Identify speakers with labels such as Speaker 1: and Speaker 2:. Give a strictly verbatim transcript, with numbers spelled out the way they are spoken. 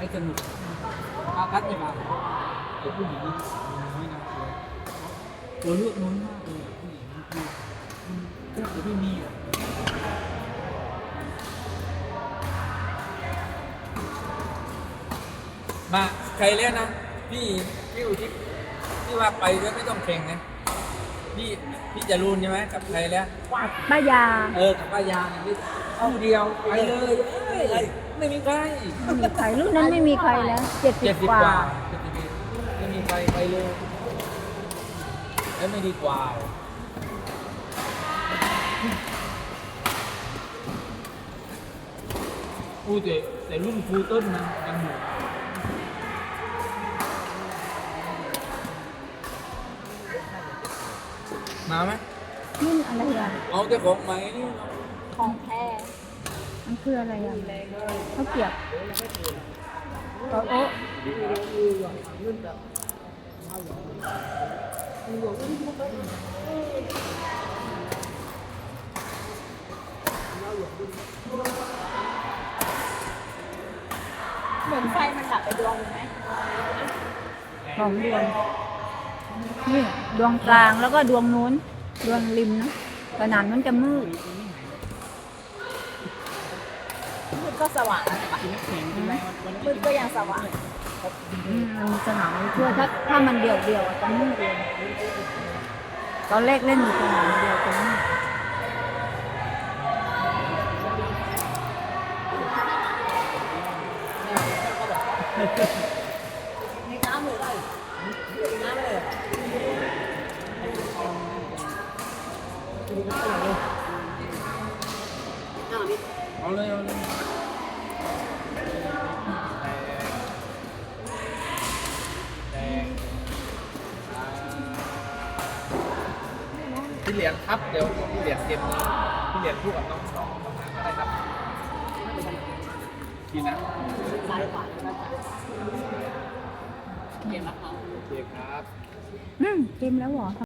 Speaker 1: ให้สนุกอาคัดไม่มาไอ้ผู้หญิงนี่น้อยนะตัวเลือกน้อยมากเลยผู้หญิงนี่คือแทบจะไม่มีอ่ะมาใครเล่นนะพี่พี่อุทิศพี่ว่าไปด้วยไม่ต้องแข่งนะพี่พี่จะรุนใช่ไหมกับใครแล้ว
Speaker 2: ป้ายา
Speaker 1: เออกับป้ายาเนี่ยคู่เดียวไปเลยเอ้ยไม่มีใคร
Speaker 2: ไม่มีใครรุ่นนั้นไม่มีใครแล้วเจ็ดสิ
Speaker 1: เจ็
Speaker 2: บ
Speaker 1: ดสิบ
Speaker 2: กว่าก
Speaker 1: ว่าเจ็ดสิบเอ็ดไม่มีใครไปเลยแล้วไม่ดีกว่าอู้แต่แต่รุ่นครูต้นมันยังอยู่มาไหม
Speaker 2: รุ่นอะไรอ่ะ
Speaker 1: เอาแต่ของใหม่นี่
Speaker 2: ของแท้มันคืออะไรอ่ะข้าวเกรียบโต๊ะโอ๊ะเหมือนไฟมันดับไปดวงไหมสองดวงนี่ดวงกลางแล้วก็ดวงนู้นดวงริมนะขนาดนั้นจะมืด
Speaker 3: มืดก็สว่างนะมืดก็ยังสว่าง
Speaker 2: อืมมันมีสนามมันช่วยถ้าถ้ามันเดี่ยวเดี่ยวๆอะจะมืดเลยตอนแรกเล่นอยู่สนามเดียวจะมืด
Speaker 3: มีน้ำเลยมีน้ำเลย
Speaker 1: เอาเลยเอาเลยพี่เหรียญครับเดี๋ยวพี่เหรียญเกมนี้พี่เหรียญพูดกับน้องสองน้องนัทก็ได้ครับทีนะ
Speaker 3: ซ้ายขวาเก็บมะพร้าว
Speaker 1: โอเคครับ
Speaker 2: อืมเต็มแล้วเหรอ